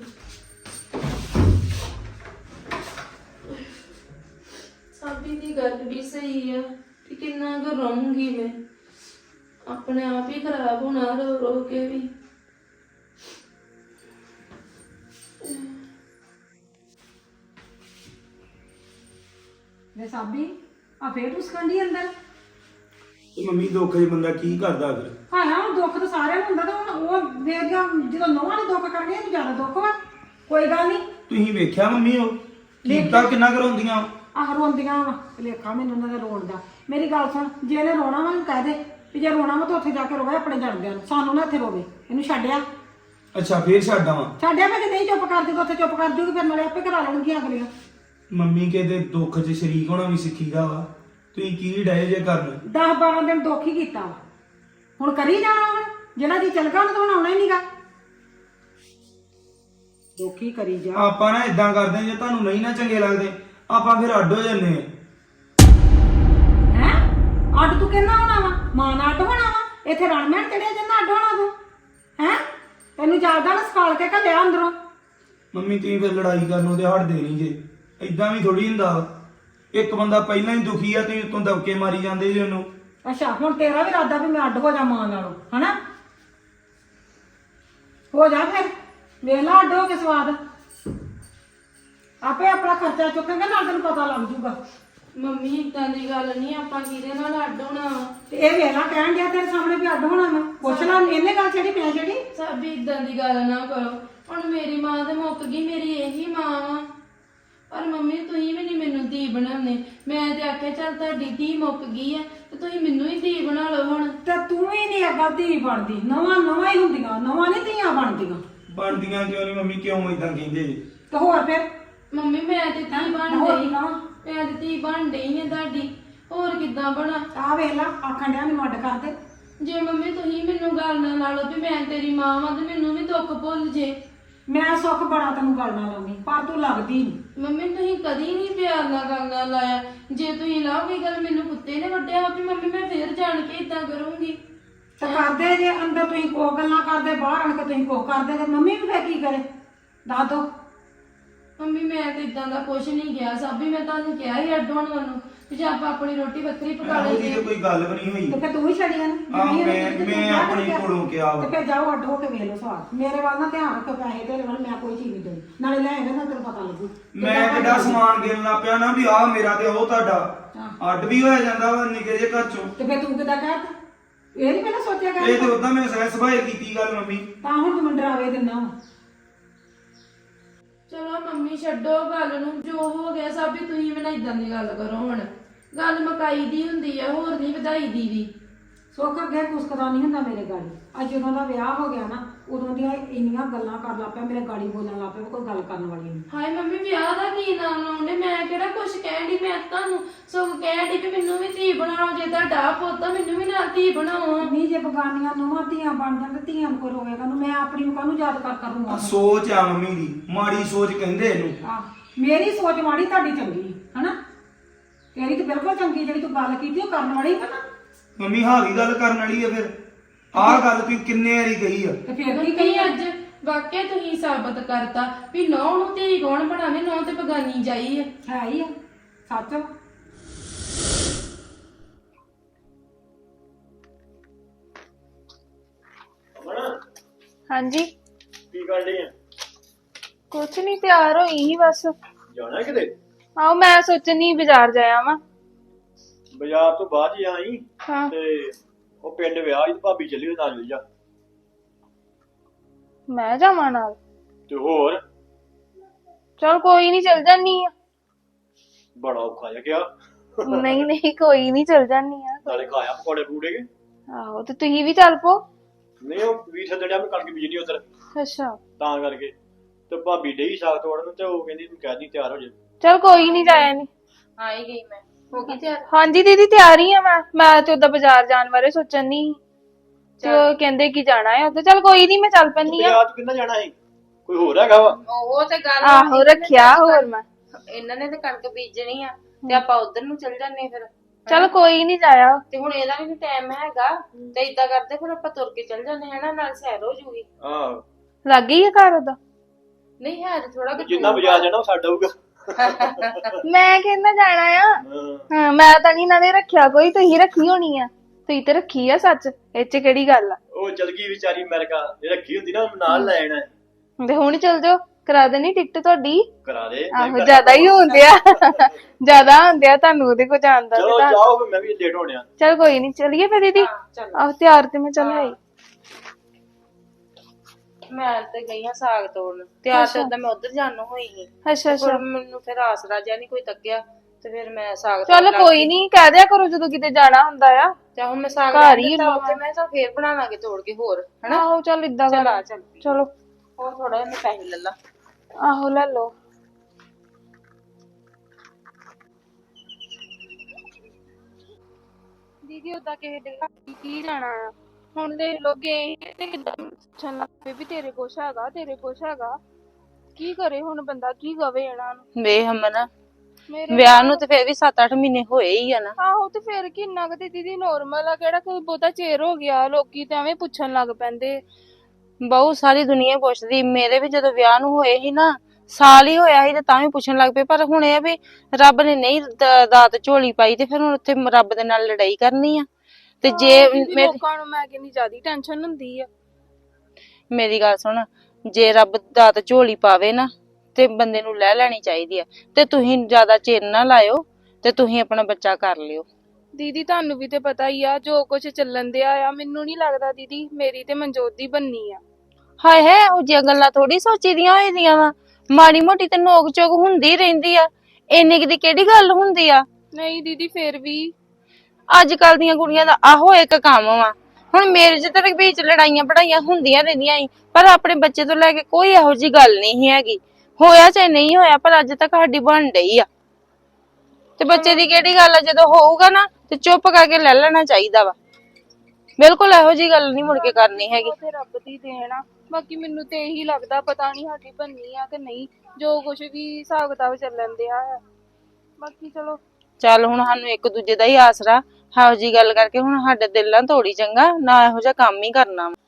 ਸਾਬੀ ਦੀ ਗੱਲ ਵੀ ਸਹੀ ਆ ਕਿ ਕਿੰਨਾ ਕੁ ਰਹੂੰਗੀ ਮੈਂ, ਆਪਣੇ ਆਪ ਹੀ ਖਰਾਬ ਹੋਣਾ ਰੋ ਰੋ ਕੇ ਵੀ। ਵੇ ਸਾਬੀ ਆ ਫੇਰ ਤੂੰ ਸਕੰਡੀ ਅੰਦਰ। ਤੇ ਮੰਮੀ ਦੁੱਖ ਜੇ ਬੰਦਾ ਕੀ ਕਰਦਾ ਫਿਰ? ਹਾਂ ਹਾਂ ਦੁੱਖ ਤਾਂ ਸਾਰਿਆਂ ਨੂੰ ਹੁੰਦਾ, ਤੇ ਹੁਣ ਉਹ ਵੇਖਿਆ ਜਦੋਂ ਨੌਵਾਂ ਨੇ ਦੁੱਖ ਕਰਨੇ ਇਹਨੂੰ ਜ਼ਿਆਦਾ ਦੁੱਖ ਵਾ। ਕੋਈ ਗੱਲ ਨਹੀਂ, ਤੁਸੀਂ ਵੇਖਿਆ ਮੰਮੀ ਉਹ ਕੀਤਾ ਕਿੰਨਾ ਕਰਾਉਂਦੀਆਂ? ਆਹ ਰੋਂਦੀਆਂ ਵਾ, ਭੁਲੇਖਾ ਮੈਨੂੰ ਉਹਨਾਂ ਦਾ ਰੋਣ ਦਾ। ਮੇਰੀ ਗੱਲ ਸੁਣ, ਜੇ ਇਹਨੇ ਰੋਣਾ ਵਾ ਇਹਨੂੰ ਕਹਿ ਦੇ ਵੀ ਜੇ ਰੋਣਾ ਵਾ ਤਾਂ ਉੱਥੇ ਜਾ ਕੇ ਰੋਵੇ ਆਪਣੇ ਜਣਦਿਆਂ ਨੂੰ, ਸਾਨੂੰ ਨਾ ਇੱਥੇ ਰੋਵੇ। ਇਹਨੂੰ ਛੱਡਿਆ ਅੱਛਾ ਫੇਰ ਛੱਡ ਆਵਾਂ? ਛੱਡਿਆ ਮੈਂ, ਜੇ ਨਹੀਂ ਚੁੱਪ ਕਰਦੀ ਤਾਂ ਉੱਥੇ ਚੁੱਪ ਕਰ ਜੂਗੀ, ਫਿਰ ਨਾਲੇ ਆਪੇ ਕਰਾ ਲੈਣਗੀਆਂ ਅਗਲੀਆਂ। ਮੰਮੀ ਕਹਿੰਦੇ ਦੁੱਖ 'ਚ ਸ਼ਰੀਕ ਹੋਣਾ ਵੀ ਸਿੱਖੀਦਾ ਵਾ। ਤੁਸੀਂ ਕੀ ਡਏ ਜੇ ਕਰਨ? ਦਸ ਬਾਰਾਂ ਦਿਨ ਦੁੱਖ ਹੀ ਕੀਤਾ ਵਾ, ਹੁਣ ਕਰੀ ਜਾਣਾ। ਹੁਣ ਜਿਹੜਾ ਜੀ ਚੱਲ ਗਿਆ ਉਹਨੇ ਤਾਂ ਹੁਣ ਆਉਣਾ ਹੀ ਨਹੀਂਗਾ। ਦੁੱਖ ਹੀ ਕਰੀ ਜਾ। ਆਪਾਂ ਨਾ ਇਦਾਂ ਕਰਦੇ ਜੇ ਤੁਹਾਨੂੰ ਨਹੀਂ ਨਾ ਚੰਗੇ ਲੱਗਦੇ ਆਪਾਂ ਫਿਰ ਅੱਡ ਹੋ ਜੰਨੇ ਆ। ਹੈਂ ਅੱਡ ਤੂੰ ਕਿੰਨਾ ਹੋਣਾ ਵਾ? ਮਾਂ ਨਾਲ ਅੱਡ ਹੋਣਾ ਵਾ? ਇੱਥੇ ਰਣ ਮੈਣ ਚੜਿਆ ਜਿੰਨਾ ਅੱਡ ਹੋਣਾ ਤੂੰ? ਹੈਂ ਤੈਨੂੰ ਜਾਗਦਾ ਨਾ ਸਕਾਲ ਕੇ ਘੱਲਿਆ ਅੰਦਰੋਂ। ਮੰਮੀ ਤੁਸੀਂ ਫਿਰ ਲੜਾਈ ਕਰਨੋਂ ਤੇ ਹਟਦੇ ਨਹੀਂ ਜੇ। ਇਦਾਂ ਵੀ ਥੋੜੀ ਹੁੰਦਾ ਵਾ। ਇੱਕ ਬੰਦਾ ਪਹਿਲਾਂ ਹੀ ਦੁਖੀ ਆ, ਤੁਸੀਂ ਉਤੋਂ ਦਬਕੇ ਮਾਰੀ ਜਾਂਦੇ ਜੇ ਉਹਨੂੰ। ਅੱਛਾ ਹੁਣ ਤੇਰਾ ਵੀ ਇਰਾਦਾ ਵੀ ਮੈਂ ਅੱਡ ਹੋ ਜਾ ਮਾਂ ਨਾਲੋਂ, ਹਨਾ? ਹੋ ਜਾ ਫਿਰ, ਵੇਖ ਲਾ ਅੱਡ ਹੋ ਕੇ ਸਵਾਦ। ਆਪੇ ਆਪਣਾ ਖਰਚਾ ਚੁੱਕਾਂਗੇ ਨਾਲ, ਤੈਨੂੰ ਪਤਾ ਲੱਗ ਜੂਗਾ। ਮੰਮੀ ਇਦਾਂ ਦੀ ਗੱਲ ਨਹੀਂ, ਆਪਾਂ ਕਿਹਦੇ ਨਾਲ ਅੱਡ ਹੋਣਾ ਵਾ? ਤੇ ਇਹ ਵੇਖ ਲਾ ਕਹਿਣ ਡਿਆ ਤੇਰੇ ਸਾਹਮਣੇ ਵੀ ਅੱਡ ਹੋਣਾ ਮੈਂ। ਪੁੱਛ ਲਾ ਇਹਨੇ ਗੱਲ ਜਿਹੜੀ ਮੈਂ ਜਿਹੜੀ। ਸਾਬੀ ਇਦਾਂ ਦੀ ਗੱਲ ਨਾ ਕਰੋ। ਹੁਣ ਮੇਰੀ ਮਾਂ ਤੇ ਮੁੱਕ ਗਈ, ਮੇਰੀ ਇਹੀ ਮਾਂ ਵਾ। ਪਰ ਮੰਮੀ ਤੁਸੀਂ ਵੀ ਨਹੀਂ ਮੈਨੂੰ ਧੀ ਬਣਾਉਂਦੇ। ਮੈਂ ਤੇ ਆਖਿਆ ਚੱਲ ਤੁਹਾਡੀ ਧੀ ਮੁੱਕ ਗਈ ਆ ਤੇ ਤੁਸੀਂ ਮੈਨੂੰ ਹੀ ਧੀ ਬਣਾ ਲਓ ਹੁਣ। ਤੇ ਤੂੰ ਹੀ ਨਹੀਂ ਅੱਗਾ ਧੀ ਬਣਦੀ, ਨਵਾਂ ਨਵਾਂ ਹੀ ਹੁੰਦੀਆਂ, ਨਵਾਂ ਨਹੀਂ ਧੀਆਂ ਬਣਦੀਆਂ। ਬਣਦੀਆਂ ਕਿਉਂ ਨਹੀਂ ਮੰਮੀ? ਕਿਉਂ ਇਦਾਂ ਕਹਿੰਦੇ ਜੇ? ਤੇ ਹੋਰ ਫਿਰ ਮੰਮੀ ਮੈਂ ਤੇ ਧੀ ਬਣ ਹੋਰ ਗਈ, ਨਾ। ਮੈਂ ਤੇ ਧੀ ਬਣ ਡਈ ਆ ਤੁਹਾਡੀ, ਹੋਰ ਕਿੱਦਾਂ ਬਣਾ? ਆ ਵੇਖ ਲਾ ਆਖਣ ਡਿਆ ਮੈਨੂੰ ਅੱਡ ਕਰ ਦੇ। ਜੇ ਮੰਮੀ ਤੁਸੀਂ ਮੈਨੂੰ ਗੱਲ ਨਾ ਲਾ ਲਓ ਵੀ ਮੈਂ ਤੇਰੀ ਮਾਂ ਵਾਂ ਤੇ ਮੈਨੂੰ ਵੀ ਦੁੱਖ ਭੁੱਲ ਜੇ। ਮੈਂ ਸੁੱਖ ਬੜਾ ਤੈਨੂੰ ਗੱਲ ਨਾਲ ਲਾਉਣੀ, ਪਰ ਤੂੰ ਲੱਗਦੀ ਨਹੀਂ। ਮੰਮੀ ਤੁਸੀਂ ਕਦੀ ਨਹੀਂ ਪਿਆਰ ਨਾਲ ਗੱਲ ਨਾਲ ਲਾਇਆ। ਜੇ ਤੁਸੀਂ ਲਾਓਗੇ ਗੱਲ ਮੈਨੂੰ ਕੁੱਤੇ ਨੇ ਵੱਢਿਆ ਵੀ ਮੰਮੀ ਮੈਂ ਫੇਰ ਜਾਣ ਕੇ ਇਦਾਂ ਕਰੂੰਗੀ। ਤੇ ਕਰਦੇ ਜੇ ਅੰਦਰ ਤੁਸੀਂ ਕੋ ਗੱਲਾਂ ਕਰਦੇ, ਬਾਹਰ ਆਣ ਕੇ ਤੁਸੀਂ ਕੋ ਕਰਦੇ, ਤੇ ਮੰਮੀ ਵੀ ਫੇਰ ਕੀ ਕਰੇ? ਦੱਸ ਦੋ। ਮੰਮੀ ਮੈਂ ਤੇ ਇਦਾਂ ਦਾ ਕੁਝ ਨਹੀਂ ਗਿਆ ਸਾਬੀ, ਮੈਂ ਤੁਹਾਨੂੰ ਕਿਹਾ ਹੀ ਅੱਡ ਹੋਣ ਵੱਲੋਂ ਵੀ ਜੇ ਆਪਾਂ ਆਪਣੀ ਰੋਟੀ ਵੱਖਰੀ ਪਕਾ ਉਹਦੀ ਲਈਏ। ਤਾਂ ਕੋਈ ਗੱਲ ਵੀ ਨਹੀਂ ਹੋਈ। ਤੇ ਫੇਰ ਤੂੰ ਹੀ ਛੜੀਆਂ ਨੇ। ਆਹ ਮੈਂ ਮੈਂ ਆਪਣੀ ਕੋਲੋਂ ਕਿਹਾ ਵਾ। ਤੇ ਫੇਰ ਜਾਓ ਅੱਡ ਹੋ ਕੇ ਵੇਖ ਲਓ ਸਵਾਦ। ਮੇਰੇ ਵੱਲ ਨਾ ਧਿਆਨ ਰੱਖੋ, ਪੈਸੇ ਤੇਰੇ ਵੱਲ ਮੈਂ ਕੋਈ ਚੀਜ਼ ਨਹੀਂ ਦੇਣੀ। ਨਾਲੇ ਲੈ ਆਏਗਾ ਨਾ ਤੈਨੂੰ ਪਤਾ ਲੱਗੂ। ਮੈਂ ਕਿੱਡਾ ਸਮਾਨ ਗਿਣ ਲੱਗ ਪਿਆ ਨਾ ਵੀ ਆਹ ਮੇਰਾ ਤੇ ਉਹ ਤੁਹਾਡਾ। ਅੱਡ ਵੀ ਹੋਇਆ ਜਾਂਦਾ ਵਾ ਨਿੱਕੇ ਜਿਹੇ ਘਰ ਚੋਂ। ਤੇ ਫੇਰ ਤੂੰ ਕਿੱਦਾਂ ਕਹਿਤਾ? ਇਹ ਨਹੀਂ ਪਹਿਲਾਂ ਸੋਚਿਆ ਕਰ। ਇਹ ਤੇ ਉਦਾਂ ਮੈਂ ਸਹਿ ਸੁਭਾਏ ਕੀਤੀ ਗੱਲ ਮੰਮੀ। ਤਾਂ ਹੁਣ ਤੂੰ ਮੈਨੂੰ ਡਰਾਵੇ ਦਿੰਦਾ ਵਾ। ਚਲੋ ਮੰਮੀ ਛੱਡੋ ਗੱਲ ਨੂੰ, ਜੋ ਹੋ ਗਿਆ ਸਾਬੀ ਤੁਸੀਂ ਵੀ ਨਾ ਇਦਾਂ ਦੀ ਗੱਲ ਕਰੋ। ਹੁਣ ਗੱਲ ਮਕਾਈ ਦੀ ਹੁੰਦੀ ਆ, ਹੋਰ ਨਹੀਂ ਵਧਾਈ ਦੀ ਵੀ। ਸੁੱਖ ਅੱਗੇ ਕੁਸਕਦਾ ਨਹੀਂ ਹੁੰਦਾ ਮੇਰੇ ਗਾੜੀ। ਅੱਜ ਜਦੋਂ ਦਾ ਵਿਆਹ ਹੋ ਗਿਆ ਨਾ, ਉਦੋਂ ਦੀਆਂ ਇੰਨੀਆਂ ਗੱਲਾਂ ਕਰ ਲੱਗ ਪਿਆ, ਮੇਰੇ ਗਾੜੀ ਬੋਲਣ ਲੱਗ ਪਿਆ, ਕੋਈ ਗੱਲ ਕਰਨ ਵਾਲੀ ਨਹੀਂ। ਹਾਏ ਮੰਮੀ ਵਿਆਹ ਦਾ ਕੀ ਨਾਮ ਲਾਉਂਦੇ? ਮੈਂ ਕਿਹੜਾ ਕੁਛ ਕਹਿਣ ਦੀ, ਮੈਂ ਤੁਹਾਨੂੰ ਸਗੋਂ ਕਹਿਣ ਦੀ ਵੀ ਮੈਨੂੰ ਵੀ ਧੀ ਬਣਾਓ। ਜੇ ਤੁਹਾਡਾ ਪੁੱਤ ਮੈਨੂੰ ਵੀ ਨਾਲ ਧੀ ਬਣਾਓ। ਨਹੀਂ ਜੇ ਬਗਾਨੀਆਂ ਨੂੰਹਾਂ ਧੀਆਂ ਬਣ ਜਾਣ ਤੇ ਧੀਆਂ ਨੂੰ ਕੋਈ ਰੋਵੇਗਾ ਨੂੰ? ਮੈਂ ਆਪਣੀ ਨੂੰ ਕਾਹਨੂੰ ਯਾਦ ਕਰ ਕਰੂੰਗਾ? ਆ ਸੋਚ ਆ ਮੰਮੀ ਦੀ, ਮਾੜੀ ਸੋਚ ਕਹਿੰਦੇ ਇਹਨੂੰ। ਆ ਮੇਰੀ ਸੋਚ ਮਾੜੀ, ਤੁਹਾਡੀ ਚੰਗੀ, ਹਨਾ? ਤੇਰੀ ਤਾਂ ਬਿਲਕੁਲ ਚੰਗੀ, ਜਿਹੜੀ ਤੂੰ ਗੱਲ ਕੀਤੀ ਉਹ ਕਰਨ ਵਾਲੀ ਹੈ ਨਾ। ਮੰਮੀ ਹਾਵੀ ਗੱਲ ਕਰਨ ਵਾਲੀ ਆ ਫਿਰ। ਆਹ ਗੱਲ ਤੁਸੀਂ ਕਿੰਨੇ ਵਾਰੀ ਕਹੀ ਆ। ਤੇ ਫਿਰ ਕੀ ਕੀ ਕਹੀ? ਅੱਜ ਵਾਕਿਆ ਤੁਸੀਂ ਸਾਬਤ ਕਰਤਾ ਵੀ ਨੌ ਨੂੰ ਧੀ ਕੌਣ ਬਣਾਵੇ, ਨੌ ਤੇ ਬਗਾਨੀ ਜਾਈ ਹੈ। ਹੈ ਹੀ ਆ ਸੱਚ। ਅਮਨ ਹਾਂਜੀ ਕੀ ਕਰ ਰਹੀ ਆ? ਕੁਛ ਨਹੀਂ, ਤਿਆਰ ਹੋਈ ਸੀ ਬਸ। ਜਾਣਾ ਕਿਤੇ? ਆਓ ਮੈਂ ਸੋਚਣੀ ਬਾਜ਼ਾਰ ਜਾਇਆ ਵਾਂ। ਬਾਜ਼ਾਰ ਤੋਂ ਬਾਅਦ ਹੀ ਆਈ ਹਾਂ ਤੇ ਉਹ ਪਿੰਡ ਵਿਆਹ ਸੀ, ਭਾਬੀ ਚੱਲੀ ਉਹਦੇ ਨਾਲ ਜਾ। ਮੈਂ ਜਾਵਾਂ ਨਾਲ? ਤੇ ਹੋਰ ਚਲ ਕੋਈ ਨਹੀਂ, ਚਲ ਜਾਨੀ ਆ। ਬੜਾ ਔਖਾ ਜਿਹਾ ਗਿਆ। ਨਹੀਂ ਨਹੀਂ ਕੋਈ ਨਹੀਂ, ਚਲ ਜਾਨੀ ਆ। ਨਾਲੇ ਖਾਇਆ ਪਕੌੜੇ ਪੂੜੇ ਕੇ। ਆਹੋ ਤੇ ਤੁਸੀਂ ਵੀ ਚੱਲ ਪੋ। ਨਹੀਂ ਉਹ ਵੀ ਛੱਡਿਆ ਮੈਂ ਕਣਕ ਬੀਜਣੀ ਉਧਰ, ਅੱਛਾ ਤਾਂ ਕਰਕੇ। ਤੇ ਭਾਬੀ ਡਈ ਸਾਗ ਤੋੜਨ ਤੇ ਉਹ ਕਹਿੰਦੀ ਤੂੰ ਕਹਿ ਦੀ ਤਿਆਰ ਹੋ ਜਾ। ਚਲ ਕੋਈ ਨਹੀਂ, ਜਾਇਆ ਨਹੀਂ। ਆ ਹੀ ਗਈ ਮੈਂ। ਹੋ ਗਈ ਤਿਆਰ? ਹਾਂਜੀ ਦੀਦੀ ਤਿਆਰ ਹੀ ਆ ਮੈਂ ਮੈਂ ਤੇ ਉਦਾਂ ਬਾਜ਼ਾਰ ਜਾਣ ਬਾਰੇ ਸੋਚਣ ਨਹੀਂ ਤੇ ਉਹ ਕਹਿੰਦੇ ਕਿ ਜਾਣਾ ਹੈ ਉੱਧਰ। ਚਲ ਕੋਈ ਨਹੀਂ, ਮੈਂ ਚੱਲ ਪੈਂਦੀ ਆ। ਬਾਜ਼ਾਰ ਤੂੰ ਕਿੰਨਾ ਜਾਣਾ ਸੀ? ਕੋਈ ਹੋਰ ਹੈਗਾ ਵਾ? ਉਹ ਤੇ ਗੱਲ ਆਹੋ ਰੱਖਿਆ ਹੋਰ ਮੈਂ। ਇਹਨਾਂ ਨੇ ਤੇ ਕਣਕ ਬੀਜਣੀ ਆ ਤੇ ਆਪਾਂ ਉਧਰ ਨੂੰ ਚੱਲ ਜਾਂਦੇ ਫਿਰ। ਚਲ ਕੋਈ ਨਹੀਂ, ਜਾਇਆ। ਤੇ ਹੁਣ ਇਹਦਾ ਵੀ ਟਾਈਮ ਹੈਗਾ ਤੇ ਇਦਾਂ ਕਰਦੇ ਫਿਰ ਆਪਾਂ ਤੁਰ ਕੇ ਚੱਲ ਜਾਂਦੇ ਹਨਾ, ਨਾਲ ਸੈਰ ਹੋ ਜੂਗੀ। ਆਹ ਲੱਗ ਗਈ ਆ ਘਰ ਉਹਦਾ? ਨਹੀਂ ਹੈ ਥੋੜਾ ਕਿ ਜਿੰਨਾ ਬਾਜ਼ਾਰ ਜਾਣਾ ਉਹ ਸਾਡਾ ਹੋਊਗਾ। ਮੈਂ ਕਹਿੰਦਾ ਜਾਣਾ ਆ। ਹਾਂ। ਹਾਂ ਮੈਂ ਤਾਂ ਨਹੀਂ ਨਾਲੇ ਰੱਖਿਆ ਕੋਈ, ਤੁਸੀਂ ਰੱਖੀ ਹੋਣੀ ਆ। ਤੁਸੀਂ ਤੇ ਰੱਖੀ ਆ ਸੱਚ, ਇਹ ਚ ਕਿਹੜੀ ਗੱਲ ਆ। ਉਹ ਚਲ ਗਈ ਵਿਚਾਰੀ ਅਮਰੀਕਾ, ਇਹ ਰੱਖੀ ਹੁੰਦੀ ਨਾ ਨਾਲ ਲੈ ਜਾਣਾ। ਤੇ ਹੁਣ ਚੱਲ ਜਾਓ, ਕਰਾ ਦੇਣੀ ਟਿਕਟ ਤੁਹਾਡੀ। ਕਰਾ ਦੇ। ਆਹੋ ਜ਼ਿਆਦਾ ਹੀ ਹੁੰਦੇ ਆ, ਜ਼ਿਆਦਾ ਹੁੰਦੇ ਆ ਤੁਹਾਨੂੰ ਉਹਦੇ ਕੋਲ ਜਾਣ ਦਾ। ਚਲੋ ਜਾਓ ਫਿਰ, ਮੈਂ ਵੀ ਲੇਟ ਹੋਣਿਆ। ਚਲ ਕੋਈ ਨਹੀਂ, ਚਲੀਏ ਫਿਰ ਦੀਦੀ। ਚੱਲ। ਆਹ ਤਿਆਰ ਤੇ ਮੈਂ ਚੱਲ ਆਈ। ਮੈਂ ਤੇ ਗਈ ਆ ਸਾਗ ਤੋੜਨ, ਤਿਆਰ ਤੇ ਉਦਾਂ ਮੈਂ ਉਧਰ ਜਾਣ ਨੂੰ ਹੋਈ ਸੀ। ਅੱਛਾ ਅੱਛਾ ਪਰ ਮੈਨੂੰ ਫਿਰ ਆਸਰਾ ਜਿਹਾ ਨਹੀਂ ਕੋਈ ਤੱਕਿਆ ਤੇ ਫਿਰ ਮੈਂ ਸਾਗ ਚਲ ਕੋਈ ਨਹੀਂ, ਕਹਿ ਦਿਆ ਕਰੋ ਜਦੋਂ ਕਿਤੇ ਜਾਣਾ ਹੁੰਦਾ ਆ। ਤੇ ਹੁਣ ਮੈਂ ਸਾਗ ਘਰ ਹੀ ਦਿੱਤਾ ਉੱਥੇ, ਮੈਂ ਚਲ ਫੇਰ ਬਣਾ ਲਾਂਗੇ ਤੋੜ ਕੇ ਹੋਰ ਹਨਾ। ਆਹੋ ਚੱਲ ਇਦਾਂ ਚੱਲ ਕਰ। ਆ ਚੱਲ ਚਲੋ ਹੋਰ ਥੋੜਾ ਜਿਹਾ ਮੈਂ ਪੈਸੇ ਲੈ ਲਾ। ਆਹੋ ਲੈ ਲਓ। ਦੀਦੀ ਉਦਾਂ ਕਿਸੇ ਦੇ ਘਰ ਕੀ ਜਾਣਾ ਆ, ਹੁਣ ਦੇ ਲੋਗੇ ਤੇ ਕਿੱਦਾਂ ਪੁੱਛਣ ਲੱਗ ਪਏ ਵੀ ਤੇਰੇ ਕੁਛ ਹੈਗਾ, ਤੇਰੇ ਕੁਛ ਹੈਗਾ। ਕੀ ਕਰੇ ਹੁਣ ਬੰਦਾ, ਕੀ ਕਵੇ ਇਹਨਾਂ ਨੂੰ। ਵੇ ਹਮਨ ਮੇਰੇ ਵਿਆਹ ਨੂੰ ਤੇ ਫੇਰ ਵੀ ਸੱਤ ਅੱਠ ਮਹੀਨੇ ਹੋਏ ਹੀ ਆ ਨਾ। ਆਹੋ ਤੇ ਫਿਰ ਕਿੰਨਾ ਕੁ ਤੇ ਦੀਦੀ ਨੋਰਮਲ ਆ, ਕਿਹੜਾ ਕੋਈ ਬਹੁਤਾ ਚਿਰ ਹੋ ਗਿਆ। ਲੋਕੀ ਤਾਂ ਐਵੇਂ ਪੁੱਛਣ ਲੱਗ ਪੈਂਦੇ। ਬਹੁਤ ਸਾਰੀ ਦੁਨੀਆ ਪੁੱਛਦੀ। ਮੇਰੇ ਵੀ ਜਦੋਂ ਵਿਆਹ ਨੂੰ ਹੋਏ ਸੀ ਨਾ, ਸਾਲ ਹੀ ਹੋਇਆ ਸੀ ਤੇ ਤਾਂ ਵੀ ਪੁੱਛਣ ਲੱਗ ਪਏ। ਪਰ ਹੁਣ ਇਹ ਵੀ ਰੱਬ ਨੇ ਨਹੀਂ ਦ- ਦਾਤ ਝੋਲੀ ਪਾਈ ਤੇ ਫਿਰ ਹੁਣ ਉੱਥੇ ਰੱਬ ਦੇ ਨਾਲ ਲੜਾਈ ਕਰਨੀ ਆ। ਤੇ ਜੇ ਮੇਰੀ ਲੋਕਾਂ ਨੂੰ ਮੈਂ ਕਹਿੰਦੀ ਜ਼ਿਆਦਾ ਟੈਨਸ਼ਨ ਹੁੰਦੀ ਆ। ਮੇਰੀ ਗੱਲ ਸੁਣ, ਜੇ ਰੱਬ ਦਾਤ ਝੋਲੀ ਪਾਵੇ ਨਾ ਤੇ ਬੰਦੇ ਨੂੰ ਲੈ ਲੈਣੀ ਚਾਹੀਦੀ ਆ। ਤੇ ਤੁਸੀਂ ਜ਼ਿਆਦਾ ਚਿਰ ਨਾ ਲਾਇਓ ਤੇ ਤੁਸੀਂ ਆਪਣਾ ਬੱਚਾ ਕਰ ਲਿਓ। ਦੀਦੀ ਤੁਹਾਨੂੰ ਵੀ ਤੇ ਪਤਾ ਹੀ ਆ ਜੋ ਕੁਝ ਚੱਲਣ ਦਿਆ ਆ। ਮੈਨੂੰ ਨਹੀਂ ਲੱਗਦਾ ਦੀਦੀ ਮੇਰੀ ਤੇ ਮਨਜੋਤ ਦੀ ਬੰਨੀ ਆ। ਹਾਏ ਹੈ ਉਹ ਜਿਹੀਆਂ ਗੱਲਾਂ ਥੋੜੀ ਸੋਚੀ ਦੀਆਂ ਹੋਈ ਦੀਆਂ ਵਾ। ਮਾੜੀ ਮੋਟੀ ਤੇ ਨੋਕ ਚੋਕ ਹੁੰਦੀ ਰਹਿੰਦੀ ਆ, ਇੰਨੀ ਕੁ ਦੀ ਕਿਹੜੀ ਗੱਲ ਹੁੰਦੀ ਆ। ਨਹੀਂ ਦੀਦੀ ਫਿਰ ਵੀ ਅੱਜ ਕੱਲ ਦੀਆਂ ਕੁੜੀਆਂ ਦਾ ਆਹੋ ਇੱਕ ਕੰਮ ਵਾ। ਹੁਣ ਮੇਰੇ ਚ ਤੇ ਵਿੱਚ ਲੜਾਈਆਂ ਪੜਾਈਆਂ ਹੁੰਦੀਆਂ ਰਹਿੰਦੀਆਂ ਸੀ, ਪਰ ਆਪਣੇ ਬੱਚੇ ਤੋਂ ਲੈ ਕੇ ਕੋਈ ਇਹੋ ਜੀ ਗੱਲ ਨਹੀਂ ਸੀ ਹੈਗੀ। ਹੋਇਆ ਚਾਹੇ ਨਹੀਂ ਹੋਇਆ, ਪਰ ਅੱਜ ਤੱਕ ਸਾਡੀ ਬਣ ਡਈ ਆ। ਤੇ ਬੱਚੇ ਦੀ ਕਿਹੜੀ ਗੱਲ ਆ, ਜਦੋਂ ਹੋਊਗਾ ਨਾ ਤੇ ਚੁੱਪ ਕਰਕੇ ਲੈ ਲੈਣਾ ਚਾਹੀਦਾ ਵਾ। ਬਿਲਕੁਲ ਇਹੋ ਜੀ ਗੱਲ ਨਹੀਂ ਮੁੜ ਕੇ ਕਰਨੀ ਹੈਗੀ। ਉਹ ਤੇ ਰੱਬ ਦੀ ਦੇਣ ਆ। ਬਾਕੀ ਮੈਨੂੰ ਤੇ ਇਹੀ ਲੱਗਦਾ, ਪਤਾ ਨਹੀਂ ਸਾਡੀ ਬੰਨੀ ਆ ਕਿ ਨਹੀਂ, ਜੋ ਕੁਝ ਵੀ ਹਿਸਾਬ ਕਿਤਾਬ ਚੱਲਣ ਦਿਆ ਆ। ਬਾਕੀ ਚਲੋ ਚੱਲ ਹੁਣ ਸਾਨੂੰ ਇੱਕ ਦੂਜੇ ਦਾ ਹੀ ਆਸਰਾ, ਇਹੋ ਜੀ ਗੱਲ ਕਰਕੇ ਹੁਣ ਸਾਡੇ ਦਿਲਾਂ ਤੋੜੀ ਚੰਗਾ ਨਾ ਇਹੋ ਜਿਹਾ ਕੰਮ ਹੀ ਕਰਨਾ ਵਾ।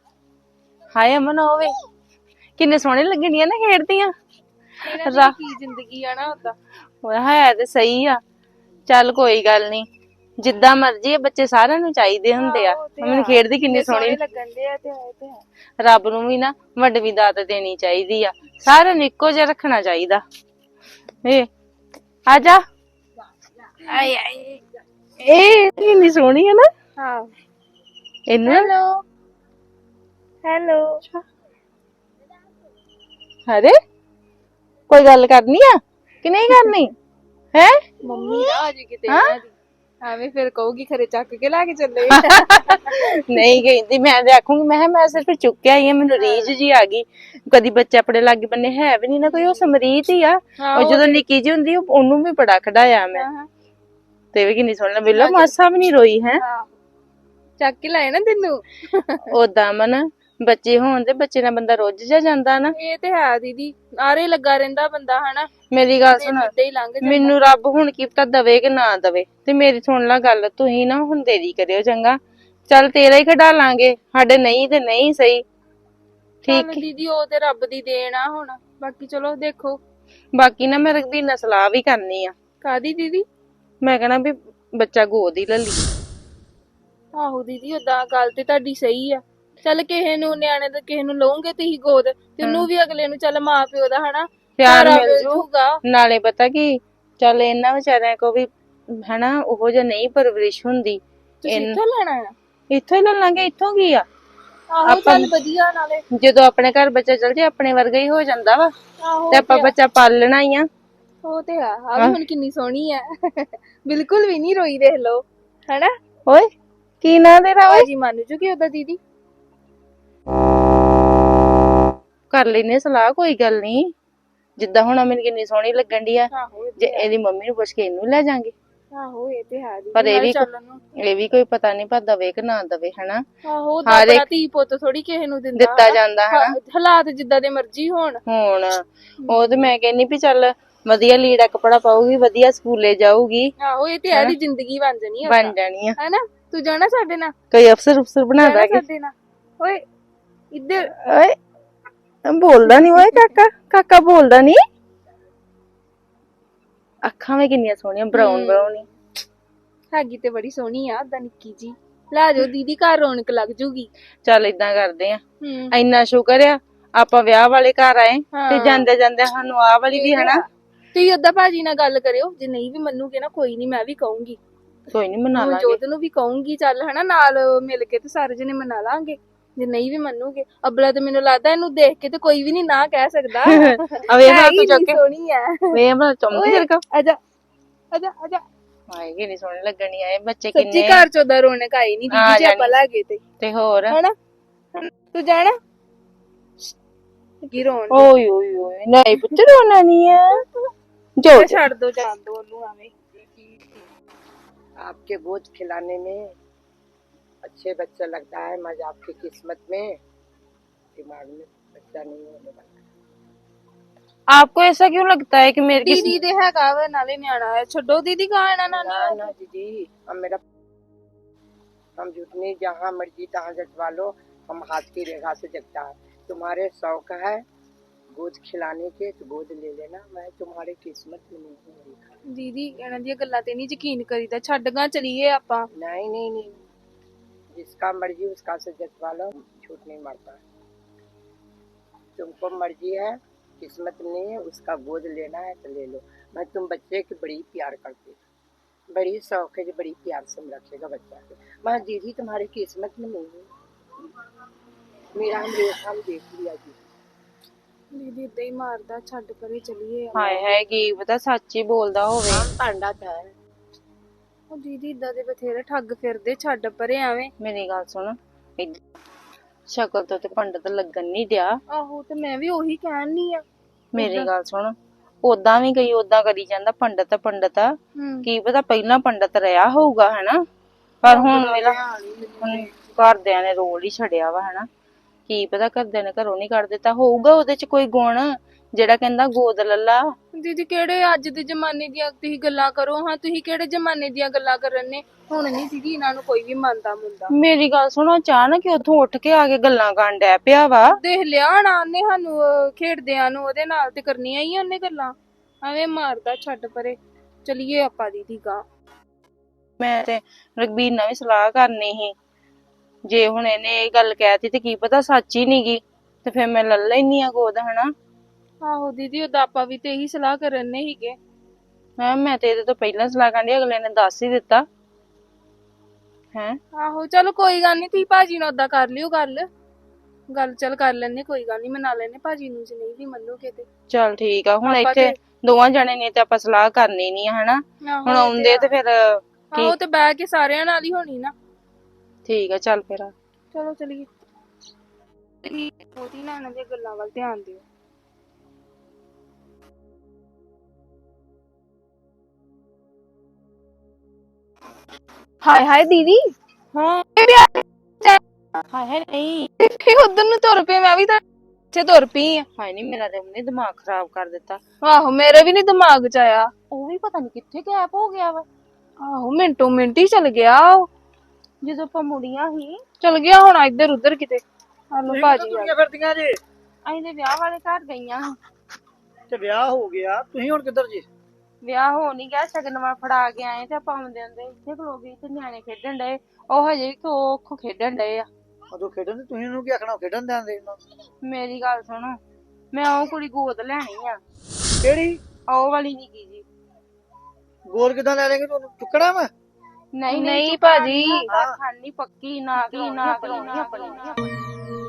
ਹਾਏ ਅਮਨ ਹੋਵੇ ਕਿੰਨੇ ਸੋਹਣੇ ਲੱਗਣੀਆਂ ਨਾ ਖੇਡਦੀਆਂ। ਇਹਨਾਂ ਦੀ ਕੀ ਜ਼ਿੰਦਗੀ ਆ ਨਾ ਉਦਾਂ। ਹੋਇਆ ਹੈ ਤੇ ਸਹੀ ਆ। ਚੱਲ ਕੋਈ ਗੱਲ ਨਹੀਂ, ਜਿੱਦਾਂ ਮਰਜ਼ੀ ਆ, ਬੱਚੇ ਸਾਰਿਆਂ ਨੂੰ ਚਾਹੀਦੇ ਹੁੰਦੇ ਆ। ਅਮਨ ਖੇਡਦੀ ਕਿੰਨੀ ਸੋਹਣੀ ਲੱਗਣ ਦੇ ਆ ਤੇ ਆਏ ਤੇ ਹੈ। ਰੱਬ ਨੂੰ ਵੀ ਨਾ ਵੱਡਵੀਂ ਦਾਤ ਦੇਣੀ ਚਾਹੀਦੀ ਆ। ਸਾਰਿਆਂ ਨੂੰ ਇੱਕੋ ਜਿਹਾ ਰੱਖਣਾ ਚਾਹੀਦਾ। ਏ ਆ ਜਾ। ਆਏ ਆਏ ਇਹ ਕਿੰਨੀ ਸੋਹਣੀ ਹੈ ਨਾ। ਹਾਂ ਇਹਨੂੰ ਹੈਲੋ ਹੈਲੋ ਅਰੇ ਕੋਈ ਗੱਲ ਕਰਨੀ ਆ ਕਿ ਨਹੀਂ ਕਰਨੀ ਹੈ? ਮੰਮੀ ਨਾ ਅੱਜ ਕਿਤੇ ਇਹਨਾਂ ਦੀ ਐਵੇਂ ਫਿਰ ਕਹੂਗੀ ਖਰੇ ਚੱਕ ਕੇ ਲੈ ਕੇ ਚੱਲੇ। ਨਹੀਂ ਕਹਿੰਦੀ, ਮੈਂ ਤੇ ਆਖੂੰਗੀ ਮੈਂ ਕਿਹਾ ਮੈਂ ਸਿਰਫ ਚੁੱਕਿਆ ਹੀ ਆ, ਮੈਨੂੰ ਰੀਝ ਜੀ ਆ ਗਈ। ਕਦੀ ਬੱਚੇ ਆਪਣੇ ਲਾਗੇ ਬੰਨੇ ਹੈ ਵੀ ਨਹੀਂ ਨਾ ਕੋਈ, ਉਹ ਸਮਰੀਤ ਹੀ ਆ। ਉਹ ਜਦੋਂ ਨਿੱਕੀ ਜੀ ਹੁੰਦੀ ਉਹਨੂੰ ਵੀ ਬੜਾ ਖੜਾਇਆ ਮੈਂ। ਤੇ ਵੀ ਕਿੰਨੀ ਸੋਹਣੀ ਬਿੱਲਾ, ਮਾਸਾ ਵੀ ਨਹੀਂ ਰੋਈ ਹੈ। ਚੱਕ ਕੇ ਲਾਏ ਨਾ ਤੈਨੂੰ। ਓਦਾਂ ਮਨ ਬੱਚੇ ਹੋਣ ਤੇ ਬੱਚੇ ਨਾਲ ਬੰਦਾ ਰੁੱਝ ਜਾ ਜਾਂਦਾ ਨਾ। ਇਹ ਤੇ ਹੈ ਦੀਦੀ, ਆਰੇ ਲੱਗਾ ਰਹਿੰਦਾ ਬੰਦਾ ਹਨਾ। ਮੇਰੀ ਗੱਲ ਸੁਣ, ਏਦਾਂ ਹੀ ਲੰਘ ਜਾਂਦਾ। ਮੈਨੂੰ ਰੱਬ ਹੁਣ ਕੀ ਪਤਾ ਦਵੇ ਕਿ ਨਾ ਦਵੇ। ਤੇ ਮੇਰੀ ਸੁਣ ਲੈ ਗੱਲ, ਤੁਸੀਂ ਨਾ ਹੁਣ ਦੇਰੀ ਕਰਿਓ ਚੰਗਾ। ਚੱਲ ਤੇਰਾ ਹੀ ਖਡਾ ਲਾਂਗੇ, ਸਾਡੇ ਨਹੀਂ ਤੇ ਨਹੀਂ ਸਹੀ। ਠੀਕ ਦੀਦੀ, ਉਹ ਤੇ ਰੱਬ ਦੀ ਦੇਣ ਆ ਹੁਣ। ਬਾਕੀ ਚਲੋ ਦੇਖੋ। ਬਾਕੀ ਨਾ ਮੈਂ ਰਘਬੀਰ ਨਾਲ ਸਲਾਹ ਵੀ ਕਰਨੀ ਆ। ਕਾਦੀ ਦੀਦੀ? ਮੈਂ ਕਹਿਣਾ ਵੀ ਬੱਚਾ ਗੋਦ ਹੀ ਲੈ ਲਈ। ਆਹੋ ਦੀਦੀ, ਓਦਾਂ ਗੱਲ ਤੇ ਤੁਹਾਡੀ ਸਹੀ ਆ। ਚੱਲ ਕਿਸੇ ਨੂੰ ਨਿਆਣੇ ਦਾ ਕਿਸੇ ਨੂੰ ਲਓਗੇ ਤੁਸੀਂ ਗੋਦ, ਤੇ ਉਹਨੂੰ ਵੀ ਅਗਲੇ ਨੂੰ ਚੱਲ ਮਾਂ ਪਿਓ ਦਾ ਹਨਾ ਪਿਆਰ ਸਹਾਰਾ ਮਿਲ ਮਿਲ ਜੂ। ਜੂਗਾ। ਨਾਲੇ ਪਤਾ ਕੀ ਚੱਲ ਇਹਨਾਂ ਵਿਚਾਰਿਆਂ ਕੋ ਵੀ ਹਨਾ ਉਹੋ ਜਿਹਾ ਨਹੀਂ ਪਰਵਰਿਸ਼ ਹੁੰਦੀ। ਤੁਸੀਂ ਇਨ- ਇੱਥੋਂ ਲੈਣਾ ਆ? ਇੱਥੋਂ ਹੀ ਲੈ ਲਾਂਗੇ, ਇੱਥੋਂ ਕੀ ਆ। ਆਹੋ ਆਪਾਂ- ਚੱਲ ਵਧੀਆ, ਨਾਲੇ ਜਦੋਂ ਆਪਣੇ ਘਰ ਬੱਚਾ ਚਲ ਜੇ ਆਪਣੇ ਵਰਗਾ ਹੀ ਹੋ ਜਾਂਦਾ ਵਾ, ਆਹੋ ਤੇ ਆਪਾਂ ਬੱਚਾ ਪਾਲਣਾ ਹੀ ਆ। ਉਹ ਤੇ ਆ। ਆ ਵੀ ਹੁਣ ਕਿੰਨੀ ਸੋਹਣੀ ਆ ਬਿਲਕੁਲ ਵੀ ਨਹੀਂ ਰੋਈ, ਦੇਖ ਲਓ ਹਨਾ। ਓਏ ਕੀ ਨਾਂ ਤੇਰਾ ਓਏ? ਭਾਜੀ ਮੰਨ ਜੂਗੀ ਉਹਦਾ ਦੀਦੀ। ਕਰ ਲੈਨੇ ਸਲਾਹ, ਕੋਈ ਗੱਲ ਨਹੀਂ। ਜਿੱਦਾਂ ਹੁਣ ਮੈਨੂੰ ਕਿੰਨੀ ਸੋਹਣੀ ਲੱਗਣ ਦੀ ਆ, ਆਹੋ ਜੇ ਇਹਦੀ ਮੰਮੀ ਨੂੰ ਪੁੱਛ ਕੇ ਇਹਨੂੰ ਲੈ ਜਾਾਂਗੇ। ਆਹੋ ਇਹ ਤੇ ਹੈ ਦੀਦੀ, ਪਰ ਇਹ ਨਾਲੇ ਵੀ ਚੱਲ ਉਹਨੂੰ। ਇਹ ਵੀ ਕੋਈ ਪਤਾ ਨਹੀਂ ਪਰ ਦਵੇ ਕਿ ਨਾ ਦਵੇ ਹਨਾ। ਆਹੋ ਉਹਦਾ ਹਰ ਆਪਣਾ ਇੱਕ- ਧੀ ਪੁੱਤ ਥੋੜੀ ਕਿਸੇ ਨੂੰ ਦਿੰਦਾ ਦਿੱਤਾ ਹਨਾ। ਜਾਂਦਾ ਹਨਾ। ਹਾ- ਹਾਲਾਤ ਜਿੱਦਾਂ ਦੇ ਮਰਜ਼ੀ ਹੋਣ। ਹੁਣ ਉਹ ਤੇ ਮੈਂ ਕਹਿੰਨੀ ਵੀ ਚੱਲ ਵਧੀਆ ਲੀੜਾ ਕੱਪੜਾ ਪਾਉਗੀ, ਵਧੀਆ ਸਕੂਲੇ ਜਾਊਗੀ, ਆਹੋ ਇਹ ਤੇ ਹੈ ਦੀ ਜ਼ਿੰਦਗੀ ਬਣ ਜਾਣੀ ਆ ਬਣ ਜਾਣੀ ਆ। ਹਨਾ। ਤੂੰ ਜਾਣਾ ਸਾਡੇ ਨਾਲ? ਕੋਈ ਅਫਸਰ ਅਫਸਰ ਬਣਾ ਜਾਣਾ ਦਾਂਗੇ। ਸਾਡੇ ਨਾਲ? ਓਏ ਇੱਧਰ ਓਏ ਬੋਲਦਾ ਨਹੀਂ ਓਏ ਕਾਕਾ, ਕਾਕਾ ਬੋਲਦਾ ਨਹੀਂ। ਅੱਖਾਂ ਵੀ ਕਿੰਨੀਆਂ ਸੋਹਣੀਆਂ, ਬਰਾਊਨ ਬਰਾਊਨ ਹੀ। ਹੈਗੀ ਤੇ ਬੜੀ ਸੋਹਣੀ ਆ, ਓਦਾਂ ਨਿੱਕੀ ਜੀ। ਲੈ ਜਾਓ ਦੀਦੀ, ਘਰ ਰੌਣਕ ਲੱਗ ਜੂਗੀ। ਚੱਲ ਇਦਾਂ ਕਰਦੇ ਆ, ਹੂੰ ਇੰਨਾ ਸ਼ੁਕਰ ਆ ਆਪਾਂ ਵਿਆਹ ਵਾਲੇ ਘਰ ਆਏ ਤੇ ਹਾਂ। ਜਾਂਦੇ ਜਾਂਦੇ ਸਾਨੂੰ ਆਹ ਵਾਲੀ ਵੀ ਹਨਾ। ਤੁਸੀਂ ਓਦਾਂ ਭਾਜੀ ਨਾਲ ਗੱਲ ਕਰਿਓ, ਜੇ ਨਹੀਂ ਵੀ ਮੰਨੂਗੇ ਨਾ ਕੋਈ ਨਹੀਂ, ਮੈਂ ਵੀ ਕਹੂੰਗੀ। ਕੋਈ ਨਹੀਂ ਮਨਾ ਲਾਂਗੇ। ਜੋਤ ਨੂੰ ਵੀ ਕਹੂੰਗੀ, ਚੱਲ ਹਨਾ ਨਾਲ ਮਿਲ ਕੇ ਤੇ ਸਾਰੇ ਜਣੇ ਮਨਾ ਲਾਂਗੇ। ਜੇ ਨਹੀਂ ਵੀ ਮੰਨੂਗੇ, ਅਬਲਾ ਤੇ ਮੈਨੂੰ ਲੱਗਦਾ ਇਹਨੂੰ ਦੇਖ ਕੇ ਤੇ ਕੋਈ ਵੀ ਨਹੀਂ ਨਾ ਕਹਿ ਸਕਦਾ। ਆ ਵੇਖ ਹੈ ਲਾ ਹੀ ਤੂੰ ਚੁੱਕ ਇੰਨੀ ਕੇ ਸੋਹਣੀ ਆ। ਵੇਖ ਬਣਾ ਚੁੰਮਦੀ ਤੇਰੇ ਕੋ। ਆਜਾ ਆਜਾ ਆਜਾ। ਹਾਏ ਕਿੰਨੀ ਸੋਹਣੀ ਲੱਗਣੀ ਆ ਇਹ ਬੱਚੇ ਸੱਚੀ ਕਿੰਨੇ ਘਰ ਚੋਂ ਦਾ ਰੌਣਕ ਆਈ ਨਹੀਂ ਆ ਦੀਦੀ ਜੇ ਆਪਾਂ ਜਾਣੀ। ਲੈ ਗਏ ਤੇ ਤੇ ਹੋਰ ਹਨਾ। ਤੂੰ ਜਾਣਾ ਕੀ ਰੋਣ ਓਏ ਓਏ ਓਏ ਨਹੀਂ ਪੁੱਤ ਰੋਣਾ ਨਹੀਂ ਆ। ਜੋ ਜੋ। ਛੱਡ ਦੋ, ਜਾਣ ਦੋ ਉਹਨੂੰ ਆਵੇਂ। आपके गोद खिलाने में अच्छे बच्चा लगता है, मगर आपकी किस्मत में दिमाग में बच्चा नहीं होने वाला। आपको ऐसा क्यों लगता है कि मेरे किस ਦੀਦੀ ਦੇ ਹੈਗਾ ਵਾ ਨਾਲੇ ਨਿਆਣਾ ਹੈ, ਛੱਡੋ ਦੀਦੀ ਗਾਣਾ ਨਾ ना ना दीदी, हम मेरा हम जुटनी जहाँ मर्जी तहाँ जटवा लो, हम हाथ की रेखा से जगता है। तुम्हारे शौक है गोद खिलाने के तो गोद ले लेना, मैं तुम्हारे किस्मत में नहीं हूँ। ਦੀਦੀ ਇਹਨਾਂ ਦੀਆਂ ਗੱਲਾਂ ਤੇ ਨਹੀਂ ਯਕੀਨ ਕਰੀਦਾ, ਛੱਡ ਗਾ ਚਲੀਏ ਆਪਾਂ। नहीं नहीं नहीं, जिसका मर्जी उसका से जटवा लो, झूठ नहीं मारता है। तुमको मर्जी है, किस्मत में नहीं है, उसका गोद लेना है तो ले लो। मैं तुम बच्चे की बड़ी प्यार करती हूँ, बड़ी शौक है जो बड़ी प्यार से रखेगा बच्चा के। मैं दीदी तुम्हारी किस्मत में नहीं हूँ, मेरा हम रेखा हम देख लिया जी। ਦੀਦੀ ਏਦਾਂ ਹੀ ਮਾਰਦਾ, ਛੱਡ ਪਰੇ ਚਲੀਏ। ਹਾਏ ਹਾਏ ਕੀ ਪਤਾ ਸੱਚ ਹੀ ਬੋਲਦਾ ਹੋਵੇ। हम पांडा था ਉਹ ਦੀਦੀ ਇਦਾਂ ਦੇ ਬਥੇਰੇ ਠੱਗ ਫਿਰਦੇ, ਛੱਡ ਪਰੇ ਐਵੇਂ। ਮੇਰੀ ਗੱਲ ਸੁਣ, ਇੱਧ- ਸ਼ਕਲ ਤੋਂ ਤੇ ਪੰਡਤ ਲੱਗਣ ਨਹੀਂ ਦਿਆ। ਆਹੋ ਤੇ ਮੈਂ ਵੀ ਉਹੀ ਕਹਿਣੀ ਆ। ਮੇਰੀ ਗੱਲ ਸੁਣ, ਓਦਾਂ ਵੀ ਗਈ ਓਦਾਂ ਕਰੀ ਜਾਂਦਾ ਪੰਡਤ ਪੰਡਤ ਆ। ਹੂੰ ਕੀ ਪਤਾ ਪਹਿਲਾਂ ਪੰਡਤ ਰਿਹਾ ਹੋਊਗਾ ਹਨਾ, ਪਰ ਹੁਣ ਵੇਲਾ ਹੁਣ ਘਰਦਿਆਂ ਨੇ ਰੋਲ ਹੀ ਛੱਡਿਆ ਵਾ ਹਨਾ। ਕੀ ਪਤਾ ਘਰਦਿਆਂ ਨੇ ਘਰੋਂ ਨਹੀਂ ਕੱਢ ਦਿੱਤਾ ਹੋਊਗਾ ਉਹਦੇ ਚ ਕੋਈ ਗੁਣ ਜਿਹੜਾ ਕਹਿੰਦਾ ਗੋਦ ਲੱਲਾ। ਦੀਦੀ ਕਿਹੜੇ ਅੱਜ ਦੇ ਜ਼ਮਾਨੇ ਦੀਆਂ ਤੁਸੀਂ ਗੱਲਾਂ ਕਰੋ ਹਾਂ, ਤੁਸੀਂ ਕਿਹੜੇ ਜ਼ਮਾਨੇ ਦੀਆਂ ਗੱਲਾਂ ਕਰਨ ਨੇ। ਹੁਣ ਨਹੀਂ ਦੀਦੀ ਇਹਨਾਂ ਨੂੰ ਕੋਈ ਵੀ ਮੰਨਦਾ ਮੁੰਦਾ। ਮੇਰੀ ਗੱਲ ਸੁਣੋ, ਅਚਾਨਕ ਹੀ ਉੱਥੋਂ ਉੱਠ ਕੇ ਆ ਕੇ ਗੱਲਾਂ ਕਰਨ ਡੈ ਪਿਆ ਵਾ। ਦੇਖ ਲਿਆ ਨਾ ਉਹਨੇ ਸਾਨੂੰ ਅਹ, ਖੇਡਦਿਆਂ ਨੂੰ ਉਹਦੇ ਨਾਲ ਤੇ ਕਰਨੀਆਂ ਹੀ ਉਹਨੇ ਗੱਲਾਂ। ਐਵੇਂ ਮਾਰਦਾ, ਛੱਡ ਪਰੇ ਚਲੀਏ ਆਪਾਂ ਦੀਦੀ ਗਾ। ਮੈਂ ਤੇ ਰਘਬੀਰ ਨਾਲ ਵੀ ਸਲਾਹ ਕਰਨੀ ਸੀ, ਜੇ ਹੁਣ ਇਹਨੇ ਇਹ ਗੱਲ ਕਹਿਤੀ ਤੇ ਕੀ ਪਤਾ ਸੱਚ ਹੀ ਨੀ ਗੀ, ਤੇ ਫਿਰ ਮੈਂ ਲੈ ਲੈਨੀ ਆ ਗੋਦ ਹਨਾ। ਆਹੋ ਦੀਦੀ ਉਹਦਾ ਆਪਾਂ ਵੀ ਤੇ ਇਹੀ ਸਲਾਹ ਕਰਨ ਨੇ ਹੀਗੇ। ਮੈਂ ਮੈਂ ਤੇ ਇਹਦੇ ਤੋਂ ਪਹਿਲਾਂ ਸਲਾਹ ਕਰਨੀ, ਅਗਲੇ ਨੇ ਦੱਸ ਹੀ ਦਿੱਤਾ ਹੈ। ਆਹੋ ਚਲੋ ਕੋਈ ਗੱਲ ਨਹੀਂ, ਤੁਸੀਂ ਭਾਜੀ ਨਾਲ ਓਦਾਂ ਕਰ ਲਿਓ ਗੱਲ ਗੱਲ ਚੱਲ ਕਰ ਲੈਣੇ, ਕੋਈ ਗੱਲ ਨਹੀਂ ਮਨਾ ਲੈਣੇ ਭਾਜੀ ਨੂੰ, ਜੇ ਨਹੀਂ ਵੀ ਮੰਨੂਗੇ ਤੇ। ਚਲ ਠੀਕ ਆ, ਹੁਣ ਆਪਾਂ ਇੱਥੇ ਤੇ- ਦੋਵਾਂ ਜਣੇ ਨੇ ਤੇ ਆਪਾਂ ਸਲਾਹ ਕਰਨੀ ਨੀ ਆ ਹਨਾ। ਆਹੋ ਹੁਣ ਇਹ ਆਉਂਦੇ ਤੇ ਫਿਰ ਆਹੋ ਤੇ ਬਹਿ ਕੇ ਸਾਰਿਆਂ ਨਾਲ ਹੀ ਹੋਣੀ ਨਾ। ਠੀਕ ਆ, ਚੱਲ ਫਿਰ। ਚਲੋ ਚਲੀਏ। ਉਹਦੀ ਨਾ ਇਹਨਾਂ ਦੀਆਂ ਗੱਲਾਂ ਵੱਲ ਧਿਆਨ ਦਿਓ। ਹਾਏ ਹਾਏ ਦੀਦੀ, ਹਾਂ ਹਾਏ ਹਾਏ ਹਾਏ ਨਹੀਂ ਉਧਰ ਨੂੰ ਤੁਰ ਪਏ, ਮੈਂ ਵੀ ਤਾਂ ਇੱਥੇ ਤੁਰ ਪਈ ਆ। ਹਾਏ ਨਹੀਂ, ਮੇਰਾ ਤੇ ਉਹਨੇ ਦਿਮਾਗ ਖਰਾਬ ਕਰ ਦਿੱਤਾ। ਆਹੋ ਮੇਰੇ ਵੀ ਨੀ ਦਿਮਾਗ ਚ ਆਇਆ। ਉਹ ਵੀ ਪਤਾ ਨੀ ਕਿੱਥੇ ਗਾਇਬ ਹੋ ਗਿਆ ਵਾ। ਆਹੋ ਮਿੰਟੋ ਮਿੰਟ ਹੀ ਚਲ ਗਿਆ ਉਹ। ਜਦੋਂ ਆਪਾਂ ਮੁੜੀਆਂ ਸੀ, ਚਲ ਗਿਆ ਹੁਣ ਇੱਧਰ ਉੱਧਰ ਕਿਤੇ। ਹਲੋ ਭਾਜੀ ਆ। ਤੁਰੀਆਂ ਫਿਰਦੀਆਂ ਜੇ ਅਸੀਂ ਤੇ ਵਿਆਹ ਵਾਲੇ ਘਰ ਗਈਆਂ। ਤੇ ਵਿਆਹ ਹੋ ਗਿਆ, ਤੁਸੀਂ ਹੁਣ ਕਿੱਧਰ ਜੇ? ਵਿਆਹ ਹੋ ਨੀ ਗਿਆ, ਸ਼ਗਨਵਾ ਫੜਾ ਕੇ ਆਏ ਤੇ ਆਪਾਂ ਆਉਂਦੇ ਆਉਂਦੇ ਇੱਥੇ ਖਲੋ ਗਏ ਤੇ ਨਿਆਣੇ ਖੇਡਣ ਡਏ। ਉਹ ਹਜੇ ਵੀ ਖੋ ਖੇਡਣ ਡਏ ਆ। ਉਦੋਂ ਖੇਡਣ, ਤੁਸੀਂ ਉਹਨੂੰ ਕੀ ਆਖਣਾ, ਖੇਡਣ ਦਿਆਂਦੇ ਉਹਨਾਂ ਨੂੰ। ਮੇਰੀ ਗੱਲ ਸੁਣੋ, ਮੈਂ ਉਹ ਕੁੜੀ ਗੋਦ ਲੈਣੀ ਆ। ਕਿਹੜੀ? ਉਹ ਵਾਲੀ ਨਿੱਕੀ ਜੀ। ਗੋਦ ਕਿਦਾਂ ਲੈ ਲੇਂਗੇ ਤੁਹਾਨੂੰ ਚੁੱਕਣਾ ਵਾ ਨਹੀਂ ਨਹੀਂ ਭਾਜੀ ਖਾਣੀ ਪੱਕੀ ਨਾ ਕੀ ਨਾ ਕਰਾਉਣੀ ਆਪਣੀ